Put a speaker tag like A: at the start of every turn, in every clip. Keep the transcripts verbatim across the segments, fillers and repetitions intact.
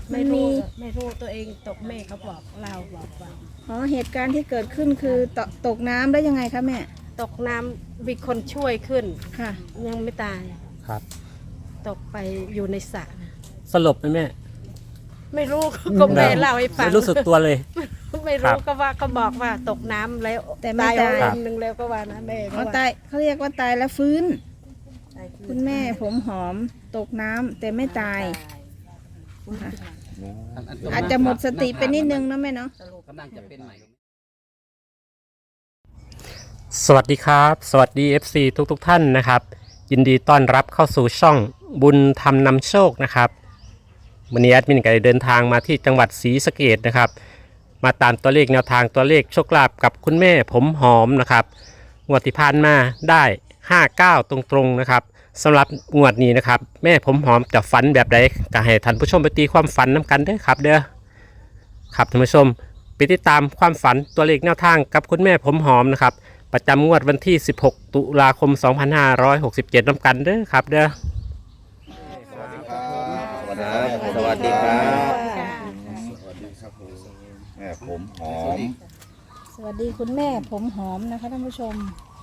A: ไม่รู้ไม่รู้ตัวเองตกแม่เขาบอกเราบอกว่า
B: อ๋อเหตุการณ์ที่เกิดขึ้นคือตกตกน้ำได้ยังไงคะแม่
A: ตกน้ำมีคนช่วยขึ้น
B: ค่ะ
A: ยังไม่ตาย
C: ครับ
A: ตกไปอยู่ในสระ
C: สลบไหมแม่
A: ไม่รู้ก็แม่เล่าให้ฟัง
C: ไม่รู้สึกตัวเลย
A: ไม่รู้ก็ว่าก็บอกว่าตกน้ำแล้ว
B: แต่ไม่ตาย
A: วันหนึ่งแล้วก็ว่านะแม่
B: เขาตายเขาเรียกว่าตายแล้วฟื้นคุณแม่ผมหอมตกน้ำแต่ไม่ตายอาจจะหมดสติไปนิดนึงนะแม่เนาะ
D: กำลังจะเป็นใหม่
C: สวัสดีครับสวัสดี เอฟ ซี ทุกทุกท่านนะครับยินดีต้อนรับเข้าสู่ช่องบุญธรรมนำโชคนะครับวันนี้แอดมินก็ได้เดินทางมาที่จังหวัดศรีสะเกษนะครับมาตามตัวเลขแนวทางตัวเลขโชคลาภกับคุณแม่ผมหอมนะครับงวดที่ผ่านมาได้ห้าเก้าตรงๆนะครับสำหรับงวดนี้นะครับแม่ผมหอมจะฝันแบบใดก็ให้ท่านผู้ชมไปตีความฝันน้ำกันเด้อครับเด้อครับท่านผู้ชมไปติดตามความฝันตัวเลขแนวทางกับคุณแม่ผมหอมนะครับประจำงวดวันที่สิบหกตุลาคมสองพันห้าร้อยหกสิบเจ็ดน้ำกันเด้อครับเด้อ
D: สวัสดีครับสวัสดีครับสวัสดีครับแม่ผมหอม
B: สวัสดีคุณแม่ผมหอมนะคะท่านผู้ชม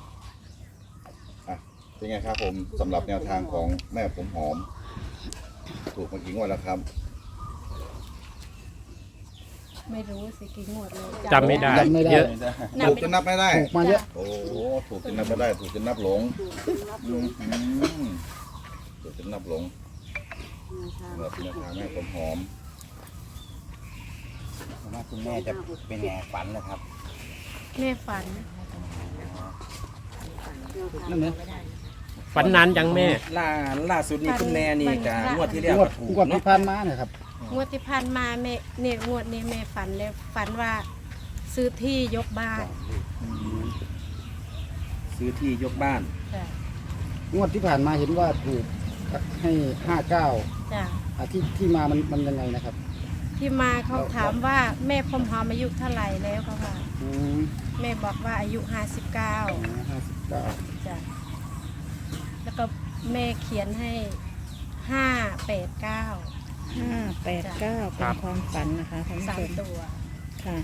D: เป็นไงครับผมสำหรับแนวทางของแม่ผมหอมถูกมากี่งวดแล้วครับ
A: ไม่รู้สิกี่งวดเลย
C: จำไม่ได้เยอะ
D: ถูกจนนับไม่ได้
B: ถูกมาเยอะ
D: โอ้ถูกจนนับไม่ได้ถูกจนนับหลงถูกจนนับหลงสำหรับแนวทางแม่ผมหอมว่าคุณแม่จะเป็นไงฝันนะครับ
A: แม่ฝัน
D: นั่นเนี่ย
C: ฝันนานยังแม่
E: ล่าล่าสุดนี่คุณแม่นี่กับงวดที่แล้วก็ถูก
B: งวดที่ผ่านมาเนี่ยครับ
A: งวดที่ผ่านมาแม่เนี่ยงวดนี้แม่ฝันแล้วฝันว่าซื้อที่ยกบ้าน
E: ซื้อที่ยกบ้าน
B: งวดที่ผ่านมาเห็นว่าถูกให้ห้าเก้า
A: จ้ะ
B: ที่ที่มามันมันยังไงนะครับ
A: ที่มาเขาถามว่าแม่ผมหอมอายุเท่าไหร่แล้วเขาว่าแม่บอกว่าอายุห้าสิบเก้า
B: ห้าสิบเก้า
A: จ้ะแล้วก็แม่เขียนให้ห้าแปดเก้า
B: ห้าแปดเก้าเป็นความฝันนะคะท่านผู้ชม
A: สามตัว
B: ค่ะ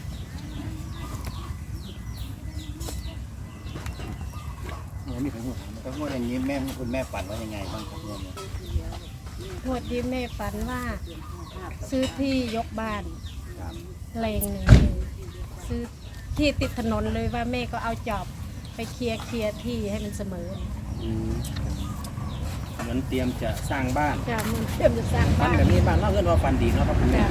D: นี่ถึงหัวก็งวดอย่างนี้แม่คุณแม่ฝันว่ายังไงบ้างครับเนี่ย
A: งวดที่แม่ฝันว่าซื้อที่ยกบ้านเลงหนึ่งซื้อที่ติดถนนเลยว่าแม่ก็เอาจอบไปเคลียร์เคลียร์ที่ให้มันเสมอ
E: เหมือนเตรียมจะสร้างบ้าน
A: จะมันเตรียมจะสร้าง
E: บ้า
A: บ้าน
E: แบบนี้บ้านเล่าเรื่องว่าฟันดีเนาะครับคุณแม่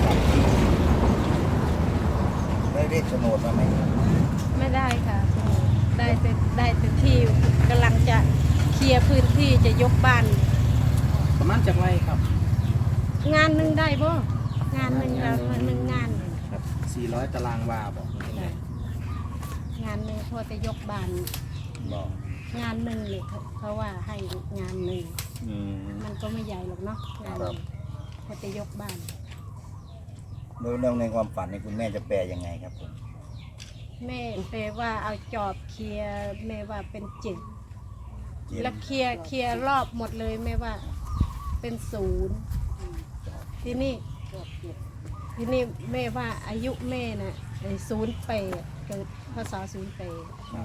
D: ได้เลขโฉนดมาไหม
A: ไม่ได้ค่ะได้แต่ได้แต่ที่กำลังจะเคลียร์พื้นที่จะยกบ้าน
E: ประมาณจากไรครับ
A: งานหนึ่งได้ป่ะงานหนึ่งเราหนึ่งงาน
E: ครับสี่ร้อยตารางวาบอก
A: งานหนึ่งพอจะยกบ้าน
D: บอก
A: งานหนึ่งเลยเขาว่าให้งานหนึ่งมันก็ไม่ใหญ่หรอกเนาะงานพอจะยกบ้าน
D: โดยเรื่องในความฝันในคุณแม่จะแปลยังไงครับผม
A: แม่แปลว่าเอาจอบเคลียร์แม่ว่าเป็นจิตแล้วเคลียร์เคลียร์รอบหมดเลยแม่ว่าเป็นศูนย์ที่นี่ที่นี่แม่ว่าอายุแม่น่ะศูนย์แปดเกิดพศศูนย์แปด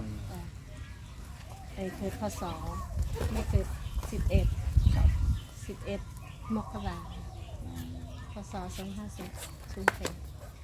A: ไอ้เกิดพศไม่เกิดสิบเอ็ดสิบเอ็ดมกราพศสองห้าสิบศูนย์แปด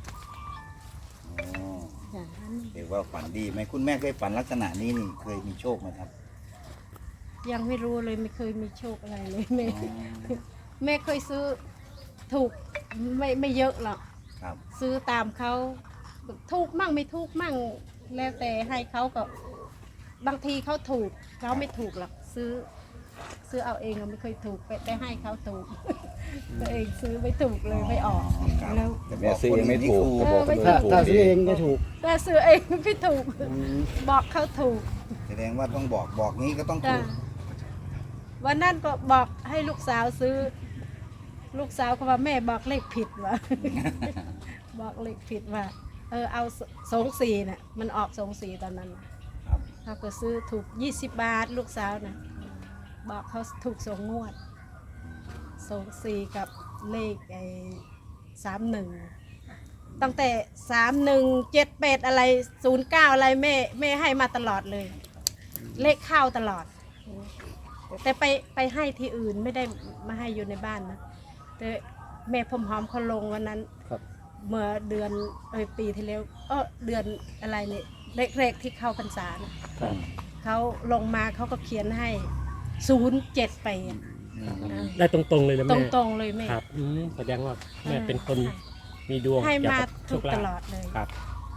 D: อย่างนั้นเรียกว่าฝันดีไหมคุณแม่เคยฝันลักษณะนี้นี่เคยมีโชคไหมครับ
A: ยังไม่รู้เลยไม่เคยมีโชคอะไรเลยแม่แม่เคยซื้อถูกไม่ไม่เยอะหรอกซื้อตามเขาถูกมั่งไม่ถูกมั่งแล้วแต่ให้เขาก็บางทีเขาถูกเขาไม่ถูกหรอกซื้อซื้อเอาเองเราไม่เคยถูกไปได้ให้เขาถูกตัวเองซื้อไม่ถูกเลยไม่ออกแล้ว
D: แม่ซื้อเองไม่ถูก
B: ถ้าซื้อเองไม่ถูก
A: แต่ซื้อเองไม่ถูกบอกเขาถูก
D: แสดงว่าต้องบอกบอกนี้ก็ต้องถูก
A: วันนั้นก็บอกให้ลูกสาวซื้อลูกสาวก็ว่าแม่บอกเลขผิดว่ะบอกเลขผิดว่าเออเอาสองสี่น่ะมันออกสองสี่ตอนนั้นเขาก็ซื้อถูกยี่สิบบาทลูกสาวน่ะบอกเขาถูกสองงวดสองสี่กับเลขไอ้สามหนึ่งตั้งแต่สามหนึ่งเจ็ดแปดอะไรศูนย์เก้าอะไรแม่แม่ให้มาตลอดเลย เลขเข้าตลอด แต่ไปไปให้ที่อื่นไม่ได้มาให้อยู่ในบ้านนะแต่แม่ผมหอมเขาลงวันนั้น
E: ครับ
A: เมื่อเดือนเอยปีที่แล้วเออเดือนอะไรเนี่ยแรกๆที่เข้าพรรษานะเขาลงมาเขาก็เขียนให้ศูนย์เจ็ดไป
C: ได้ตรงๆเลยนะ
A: ต
C: แม่
A: รงๆเลยแม่
C: ครับอืมแสดงว่าแม่เป็นคนมีดวง
A: ให้
C: เกี่ยว
A: มา
C: กับโช
A: ถูก
C: คลา
A: ต
C: ภ
A: ลอดเลย
C: ครับ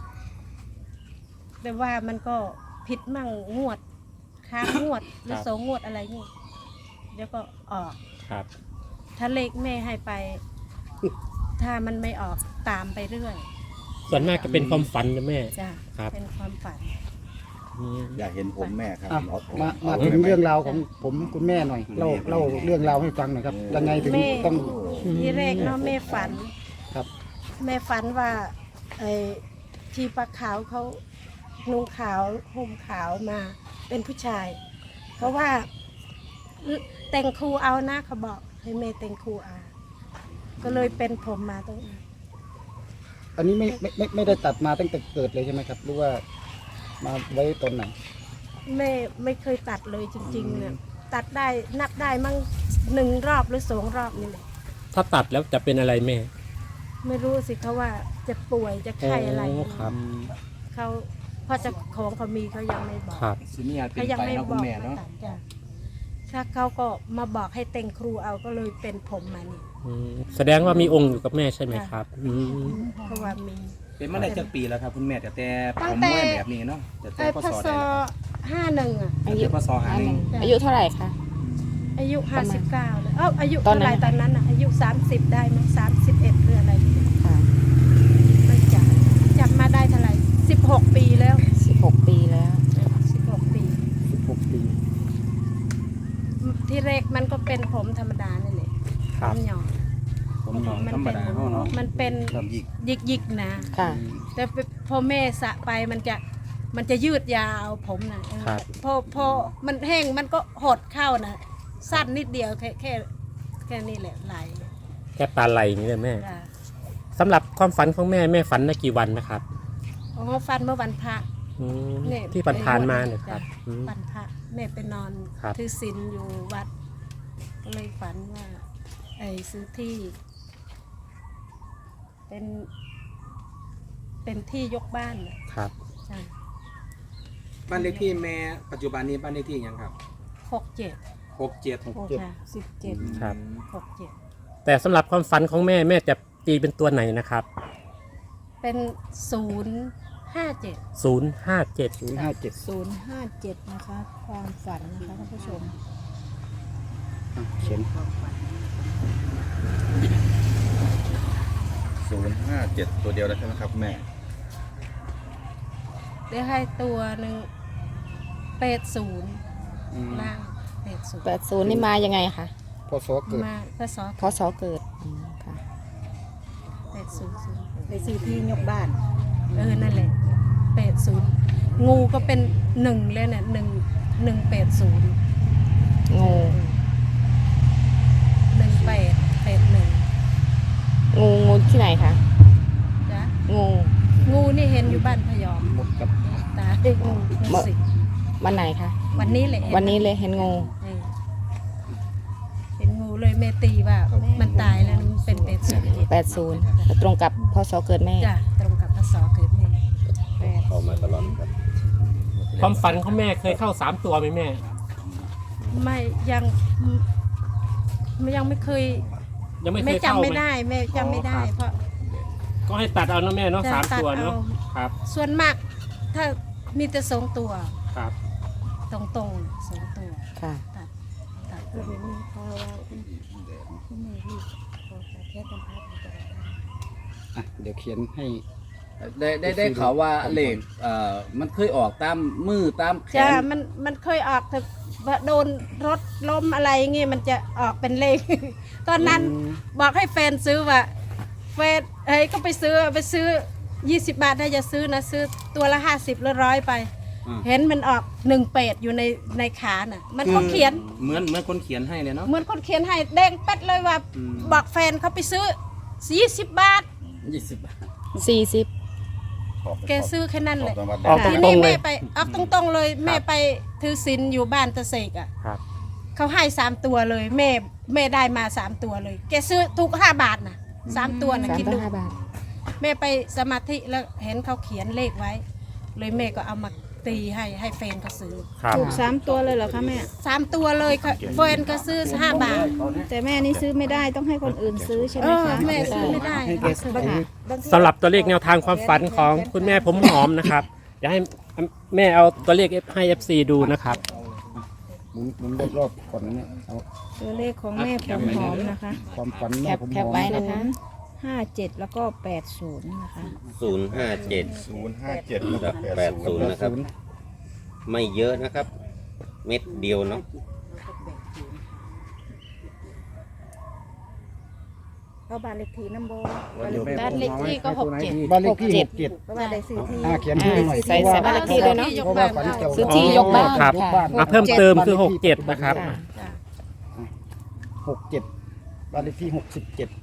A: แต่ว่ามันก็ผิดมั่งงวดค้างงวดหรือสองงวดอะไรเงี้ยเดี๋ยวก็ออก
C: ครับ
A: ถ้าเลขแม่ให้ไป ถ้ามันไม่ออกตามไปเรื่อย
C: ส่วนมากจะเป็นความฝันนะแม่
A: จ้ะ
C: ครับ
A: เป็นความฝัน
C: อืม
D: อยากเห็นผมแม่ครับ
F: อ่ะ
D: เอาผม
F: มา
D: เอ
F: มา
D: ไว้
F: ถึง
D: ไหม
F: เรื่องราวของผมคุณแม่หน่อยเล่าเล่าเรื่องราวให้ฟังหน่อยครับยังไงถึง
A: แม่
F: ต้อง
A: ที่แรกเนาะแม่ฝัน
F: ครับ
A: แม่ฝันว่าไอ้ที่ปลาขาวเขานุ่งขาวห่มขาวมาเป็นผู้ชายเขาว่าแต่งครูเอานะเขาบอกให้แม่แต่งครูเอาก็เลยเป็นผมมาตรงนี้
F: อันนี้ไม่ไม่ไม่ไม่ได้ตัดมาตั้งแต่เกิดเลยใช่ไหมครับหรือว่ามาไว้ตอนไหน
A: แม่ไม่เคยตัดเลยจริงๆเนี่ยตัดได้นับได้มั่งหนึ่งรอบหรือสองรอบนี่แหละ
C: ถ้าตัดแล้วจะเป็นอะไรแม่
A: ไม่รู้สิเขาว่าจะป่วยจะไข้อะไร
C: โอ้ครับ
A: เขาเพราะเจะของเขามีเขายังไม่บอก
C: ครับ
E: สิมีอาจเป็
A: เขา
E: น
A: ยัง
E: ไป
A: ไม่
E: เนาะ
A: บ
E: คุ
A: อ
E: ณ
A: ก
E: แม่เนาะ
A: ว่าตัดจ้ะถ้าเขาก็มาบอกให้แต่งครูเอาก็เลยเป็นผมมานี่
C: อืมแสดงว่ามีองค์อยู่กับแม่ใช่ไหมครับอืม
A: เพราะว่ามี
E: เป็นมาได้จักปีแล้วครับคุณแม่แต่แต่ผ
A: ตั้ง
E: ม
A: แต่
E: แม่แบบนี้เนาะแต่แต่
A: ไอ้
E: พ
A: พ
E: ศ
A: ศ
E: ได้แล้วครับ
A: ห้าหนึ่งอ่ะ
E: แต่แต่พศหาหนึ่ง
G: อายุเท่าไหร่คะ
A: อายุห้าสิบเก้าเลยเอ้าอายุ
G: ตอน
A: เท่า
G: นั้
A: ไห
G: น
A: ร่ตอนนั้นอ่ะอายุสามสิบได้ไหมสามสิบเอ็ดหรืออะไรเนี่ย
G: ค่ะ
A: ไม่จับจับมาได้เท่าไหร่สิบหกปีแล้ว
G: สิบหกปีแล้ว
A: สิบหกปี
F: สิบหกปี
A: ที่แรกมันก็เป็นผมธรรมดานี่แหละ
C: ค
A: ผ
C: รับ
A: มหยอง
E: ผมหนอง
A: มั
E: ธรรม
A: เป็น
E: ดาเฮาเนาะ
A: มันเป็น
D: ครับยิก
A: ยิกยิกๆนะ
G: ค่ะ
A: แต่พอแม่สระไปมันจะมันจะยืดยาวผมนะครับ พอพอมันแห้งมันก็หดเข้านะสั้นนิดเดียวแค่แค่แค่นี้แหละไหล
C: แค่ปลาไหลอย่างนี้เลยแม่
A: จ้ะ
C: สำหรับความฝันของแม่แม่ฝันได้กี่วันนะครับ
A: อ๋อฟันเมื่อวันพระ
C: อืม
A: เนี่ย
C: ที่ผ่านๆมาเนี่ยครับ
A: จ้ะ
C: อืม
A: วันพระแม่ไปนอน
C: ครับ
A: ถือศีลอยู่วัด ก็เลยฝันว่าไอ้ซื้อที่ เป็น เป็นที่ยกบ้านน่ะ
C: ครับ
A: ใช่
E: บ้านเลขที่แม่ปัจจุบันนี้บ้านเลขที่หยังครับ
A: หกเจ็ด
E: หกเจ็ด
A: ค่ะสิบเจ็ด
C: ครับ
A: หกเจ็ด
C: แต่สำหรับความฝันของแม่แม่จะตีเป็นตัวไหนนะครับ
A: เป็นศูนย์ห้าเจ็ด
C: ศูนย์ห้าเจ็ด
F: ศูนย์ห้าเจ็ด
B: ศูนย์ห้าเจ็ดนะคะ ความฝันนะคะท่านผู้ชม
F: เขียน
D: ศูนย์ห้าเจ็ดตัวเดียวแล้วใช่ไหมครับแม่
A: ได้ให้ตัวหนึ่งเป็ดศูนย์
F: อืม
A: ล่างเป็ดศูนย์
G: แปดศูนย์นี่มายังไงคะ
F: พศเกิด
A: มาพศ
G: พศเกิดอืมค่ะ
A: เป็ดศูนย์ศูนย์
B: ไปซื้อที่ยกบ้าน
A: เออนั่นแหละเป็ดศูนย์งูก็เป็นหนึ่งเลยเนี่ยหนึ่งหนึ่งเป็ดศูนย์
G: งู
A: หนึ่งเป็ดเป็ดหนึ่ง
G: งูงูที่ไหนคะ
A: จ้ะ
G: งู
A: งูนี่เห็นอยู่บ้านพยอม
F: หมดกับ
A: ตาเด็กงูงูสิ
G: วันไหนคะ
A: วันนี้แหละ
G: วันนี้เลยเห็นงู
A: เออเห็นงูเลยแม่ตีว่ามันตายแล้วมันเป็นเป็ดศูนย์
G: แปดศูนย์ตรงกับพศเกิดแม่
A: จ้ะตรงกับพศเกิดแม่
D: เข้ามาตลอดครับ
C: ความฝันของแม่เคยเข้าสามตัวไหมแม่
A: ไม่ยังไม่ยังไม่เคย
C: ยังไม่เค
A: แม่
C: ยเข้า
A: จำไม่
C: ไหม
A: ได้แม่จำไม่ได้
C: อ๋อครับ
A: เพราะ
C: ก็ให้ตัดเอานะแม่เนาะ
A: จะ
C: สาม
A: ตัด
C: ตัวเนาะ
A: เอา
C: ครับ
A: ส่วนมาก ถ้ามีแต่สองตัว
C: ครับ
A: ตรงตรงๆสองตัว
G: ค่ะ
A: ตัดตัดเพื่อไม่ให้เขาว่าคุณคุณแม่ลูกขอแค่ต้องพัดตัว
F: อ่ะเดี๋ยวเขียนให้
H: ได้ได้ได้ข่าวว่าเหล็กเอ่อมันเคยออกตามมือตามแข
A: จ้าน มันมันเคยออกแต่ว่าโดนรถล้มอะไรเงี้ยมันจะออกเป็นเลข ตอนนั้นบอกให้แฟนซื้อว่าแฟนเฮ้ยก็ไปซื้อไปซื้อยี่สิบบาทถ้าจะซื้อนะซื้อตัวละห้าสิบหรือร้อยไป เห็นมันออกหนึ่งเป็ดอยู่ในในขาน่ะ มันก็เขียน
E: เหมือนเหมือนคนเขียนให้เลยเนาะ
A: เหมือนคนเขียนให้แดงเป็ดเลยว่า
E: อืม
A: บอกแฟนเขาไปซื้อสี่สิบบาท
H: ยี่สิบบาท
G: สี่สิบ
A: แกซื้อแค่นั้นเลย
C: ออกต
A: ที
C: ร
A: นี้
C: งๆเล
A: แม่
C: ย
A: ไปออกตรงๆเลยแม่ไปถือศีลอยู่บ้านตะเสกอ่ะ
C: ครับ
A: เขาให้สามตัวเลย แม่แม่ได้มาสามตัวเลย แกซื้อถูกห้าบาทนะสามตัวนะ
G: สาม
A: คิด
G: ต่อ
A: ดู
G: ห้าบาท
A: แม่ไปสมาธิแล้วเห็นเขาเขียนเลขไว้ เลยแม่ก็เอามาตีให้ให้แฟนก็ซื้อ
C: ครับ
B: ถูกสามตัวเลยเหรอคะแม่
A: สามตัวเลยค่ะแฟนก็ซื้อห้าบาท
B: แต่แม่นี่ซื้อไม่ได้ต้องให้คนอื่นซื้อใช่ไห
A: เอ
B: ม
A: อ
B: คะ
A: แม่ซื้อไม่ได้
F: ให้แกซื้อ
B: ค่ะ
C: สำหรับตัวเลขแนวทางความฝันของคุณแม่ผมหอมนะครับอยากให้แม่เอาตัวเลขให้ เอฟ ซี ดูนะครับ
F: หมุนหมุนรอบๆก่อนนะเนี่ยเอา
B: ตัวเลขของแม่ผมหอมนะคะ
F: ความฝัน
G: แค
F: แม่
G: ป
F: ผม
G: แค
F: ห
G: ป
F: อม
G: ไว้นะคะ
B: ห้าเจ็ดแล้วก็แปดศูนย์นะคะ
I: ศูนย์ห้าเจ็ด
D: ศูนย์ห้าเจ็ด
I: กับแปดศูนย์นะครับ ไม่เยอะนะครับ เม็ดเดียวเนาะ
B: ก็บ้านเลขที่น้ำโบ
A: บ้านเลขที่ก็หกเจ็ด
F: บ้านเลขที่หกเจ็ด
B: ก็บ้านเลขที่ที่
F: อ่าเขียนที่หน่อย
G: ใส่ใส่บ้านเลขที่ด้วยเนาะ
F: เพราะว่าฝันเกี่ยว
G: ซื้อที่ยกบ้าน
C: ครับ
G: ค่ะ
C: อ่ะเพิ่มเติมคือหกเจ็ดนะครับ
G: ค่ะ
A: จ้ะ
F: หกเจ็ดบ้านเลขที่หกสิบเจ็ด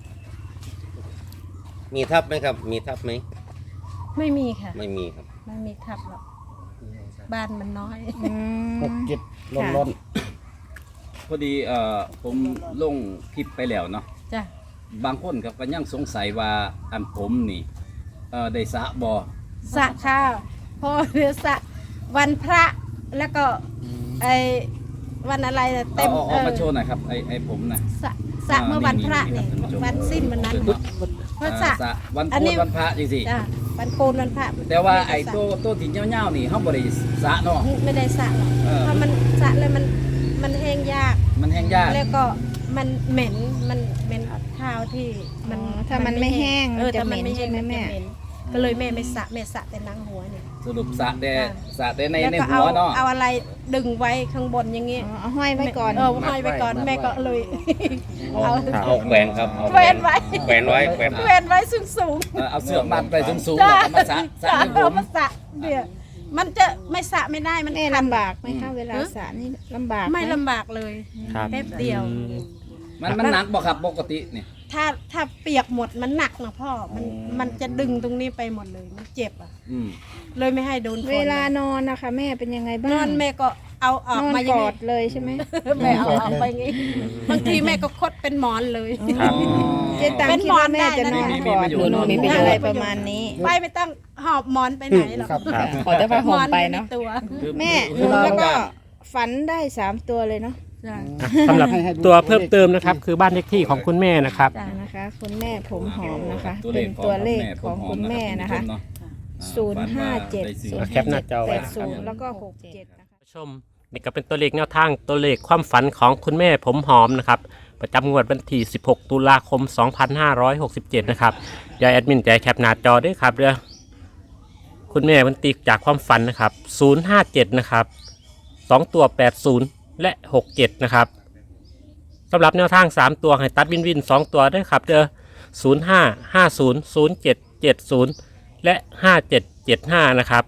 I: มีทับไหมครับ มีทับไหม
A: ไม่มีค่ะ
I: ไม่มีครับ
A: ไม่มีทับหรอกบ้านมันน้อย
B: อืม
F: หกเจ็ดร้อนร้อน
H: พอดีเอ่อผมลงคลิปไปแล้วเนาะ
A: จ้ะ
H: บางคนครับก็ยังสงสัยว่าอันผมนี่เอ่อได้สระบ่
A: สระข้าวพอเดือสระวันพระแล้วก็ไอวันอะไรน่ะ
H: เอา
A: เต็ม
H: เอา
A: เอ
H: เอา
A: อ
H: มาโชว์หน่อยครับไอ้ไอ้ผมนะ
A: สระสระเมื่อวันพระ
H: นี่
A: นี่
H: นี่ครับ
A: วันสิ้นวันนั้นเพราะสระ
H: อ่าสระวัน
A: อัน
H: โก
A: นี้
H: นวันพระจริง
A: จ้ะวันโกนวันพระ
H: ๆแต่ว่าไอ้
A: ม่ด้ส
H: ตัวตัวที่เงี้ยวๆนี่เขาบริสระเนาะ
A: ระไม่ได้สระหรอก
H: เออ
A: เพราะมันสระแล้วมันมันแห้งยาก
H: มันแห้งยาก
A: แล้วก็มันเหม็นมันเหม็นข้าวที่มัน
B: อ๋อถ้ามันไม่แห้ง
A: เออ
B: มันจะ
A: ถ้ามันไม่
B: เหม็น
A: แห้ง
B: ใช่ไหม
A: มันจะ
B: แม่
A: เหม็นก็เลยแม่ไม่สระแม่สระแต่นังหัวเนี่ย
H: สรุปสระแต่สระแต่ใน
A: แล้ว
H: ใน
A: ก็
H: หั
A: เอา
H: วเนาะ
A: เอาอะไรดึงไว้ข้างบนอย่างงี้
B: อ๋อเอาห้อยไว้ก่อน
A: เออห้อยไว้ก่อนแม่ก็เลยเอา
I: เอาแขวนครับเอา
A: แขวนไว้
I: แขวนไว้แขวน
A: แขวนไว้สูงสูง
H: เออเอาเสือกมัดไปสูง
A: ๆ
H: ๆแล้วก็มาสระสระ
A: จ้ะ
H: ให้ผ
A: เอา
H: ม
A: มาสระเดี๋ยวมันจะไม่สระไม่ได้มัน
B: แม่
A: คัน
B: ลำบากไหมคะเวลาสระนี่ลำบากห
A: ไม่ลำบากเลย
C: ครับ
A: แป๊บเดียว
H: มันมันหนักบ่ครับปกติเนี่ย
A: ถ้าถ้าเปียกหมดมันหนักนะพ่อมันมันจะดึงตรงนี้ไปหมดเลยมันเจ็บอ่ะ
H: อืม
A: เลยไม่ให้โดนฝน
B: เวลานอนนะคะ แม่เป็นยังไงบ้าง
A: นอนแม่ก็เอาออก
B: นอน
A: มาอย่าก ง
B: อ
A: นี้
B: ดเลยใช่ไหม
A: แม่เอาออกไปอย่างงี้บางทีแม่ก็คดเป็นหมอนเลย
C: ครับ
B: เจ๊ตังคิดว่าแม่จะนอนกอดหรือ
G: มีมีมี
B: อะไรประมาณนี้
A: ไปไม่ต้องหอบหมอนไปไหนหรอก
F: ครับ
C: ครับ
G: ขอแต่ว่าห่มไปเนาะ
A: หออยู่ใตัว
H: คือ
B: แม่ห
H: คือ
B: นู
H: เรา
B: แล้วก็
H: การ
B: ฝันได้สามตัวเลยเนาะ
A: จ้ะ
C: อ่ะสำหรับตัวเพิ่มเติมนะครับ คือบ้านเลขที่ของคุณแม่นะครับ
A: จ้ะ
B: นะคะ คุณแม่ผมหอมนะคะ
H: ตัว
B: เป็น
H: ข
B: ตัวเลข
H: ผ
B: ของ
H: ห
B: คุณแม่นะคะ
H: รับ
B: ศูนย์ห้าเจ็ด
H: ฝันว่าไสี่
C: แคปหน้าจอไว้
B: แปดศูนย์แล้วก็หกเจ็ดนะคะ
C: ผู้ชมนี่ก็เป็นตัวเลขแนวทางตัวเลขความฝันของคุณแม่ผมหอมนะครับประจำงวดวันที่สิบหกตุลาคมสองพันห้าร้อยหกสิบเจ็ดนะครับยายแอดมินใจแคปหน้าจอด้วยครับเด้อคุณแม่มันตีจากความฝันนะครับศูนย์ห้าเจ็ดนะครับสองตัวแปดศูนย์และหกเจ็ดนะครับสำหรับแนวทางสามตัวให้ตัดวินวินสองตัวด้วยครับเด้อศูนย์ห้าห้าศูนย์ศูนย์เจ็ดเจ็ดศูนย์และห้าเจ็ดเจ็ดห้านะครับ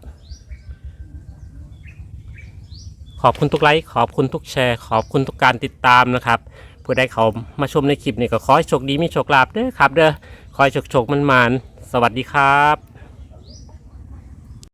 C: ขอบคุณทุกไลค์ขอบคุณทุกแชร์ขอบคุณทุกการติดตามนะครับผู้ใดเขามาชมในคลิปนี้ก็ขอให้โชคดีมีโชคลาภเด้อครับเด้อขอให้โชคโชคมันมานๆสวัสดีครับ